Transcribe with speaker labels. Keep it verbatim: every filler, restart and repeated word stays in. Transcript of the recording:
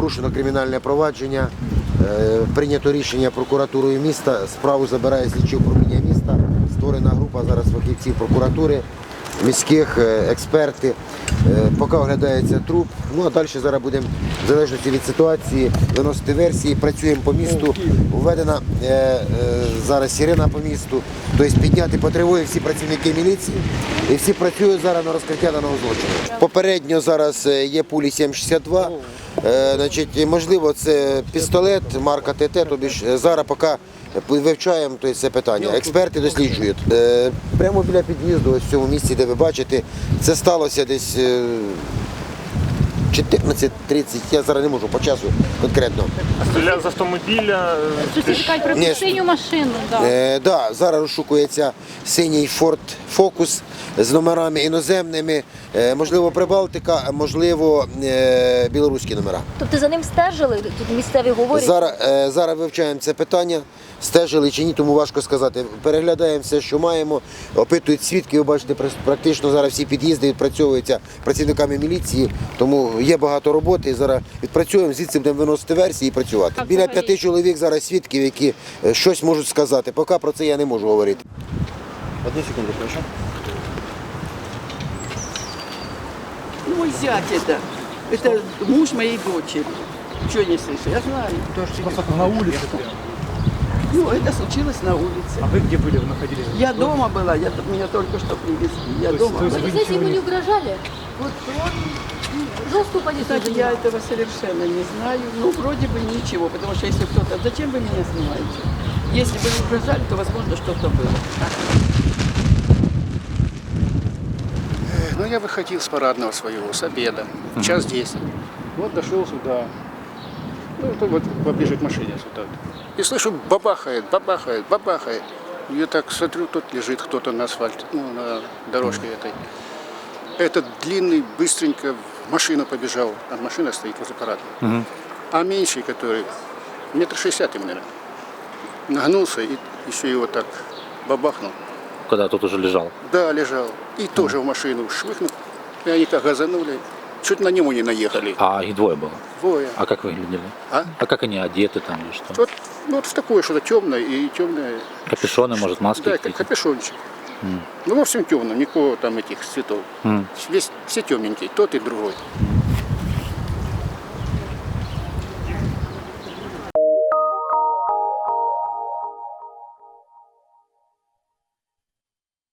Speaker 1: порушено кримінальне провадження, прийнято рішення прокуратурою міста, справу забирає слідче управління міста, створена група зараз фахівців прокуратури, міських, експерти, поки оглядається труп. Ну а далі зараз будемо, в залежності від ситуації, виносити версії, працюємо по місту, введена е, е, зараз сирена по місту, тобто підняти по тривозі всі працівники міліції і всі працюють зараз на розкриття даного злочину. Попередньо зараз є пулі сім шістдесят два, е, значить, можливо це пістолет марка ТТ, тобі ж зараз поки вивчаємо тобто, це питання. Експерти досліджують. Е, прямо біля під'їзду, ось в цьому місці, де ви бачите, це сталося десь е, чотирнадцять тридцять, я зараз не можу по часу конкретно.
Speaker 2: Стріляв з автомобіля.
Speaker 3: Сусіди кажуть про
Speaker 1: Ні.
Speaker 3: синю машину. Да.
Speaker 1: Е, да, зараз розшукується синій Ford Focus з номерами іноземними, е, можливо Прибалтика, а можливо е, білоруські номера.
Speaker 4: Тобто за ним стежили? Тут місцеві говорять?
Speaker 1: Зараз, е, зараз вивчаємо це питання, стежили чи ні, тому важко сказати. Переглядаємо все, що маємо, опитують свідки, ви бачите, практично зараз всі під'їзди відпрацьовуються працівниками міліції, тому є багато роботи, зараз відпрацюємо, звідси будемо виносити версії і працювати. Біля п'яти чоловік зараз свідків, які е, щось можуть сказати, поки про це я не можу говорити.
Speaker 5: Одну секунду, хорошо?
Speaker 6: Мой зять это. Это муж моей дочери. Чего не слышу? Я знаю.
Speaker 5: Просто на улице прям.
Speaker 6: Ну, это случилось на улице.
Speaker 5: А вы где были, вы находились?
Speaker 6: Я дома была, я, меня только что привезли. Я
Speaker 5: То есть
Speaker 6: дома
Speaker 5: вы-
Speaker 6: была.
Speaker 3: Вы знаете, ему не угрожали? Вот он жесткую позицию
Speaker 6: Кстати, я
Speaker 3: занимал.
Speaker 6: этого совершенно не знаю. Ну, вроде бы ничего, потому что если кто-то... Зачем вы меня снимаете? Если бы не угрожали, то, возможно, что-то было.
Speaker 7: Ну, я выходил с парадного своего, с обеда, в час десять. Вот дошел сюда, ну, это вот поближе к машине сюда. И слышу, бабахает, бабахает, бабахает. Я так смотрю, тут лежит кто-то на асфальте, ну, на дорожке этой. Этот длинный быстренько в машину побежал, а машина стоит возле парадного. А меньший, который, метр шестьдесят ему, наверное, нагнулся и еще его так бабахнул.
Speaker 8: Когда тот уже лежал.
Speaker 7: Да, лежал. И тоже в машину швыхнул. И они как газанули. Чуть на него не наехали.
Speaker 8: А их двое было.
Speaker 7: Двое.
Speaker 8: А как выглядели?
Speaker 7: А?
Speaker 8: А как они одеты там или что?
Speaker 7: Вот, ну, вот в такое что-то темное и темное.
Speaker 8: Капюшоны, может, маски
Speaker 7: Да, как
Speaker 8: какие-то?
Speaker 7: капюшончик. Ну, во всем темном, никакого там этих цветов.
Speaker 8: М.
Speaker 7: Весь, все темненькие, тот и другой.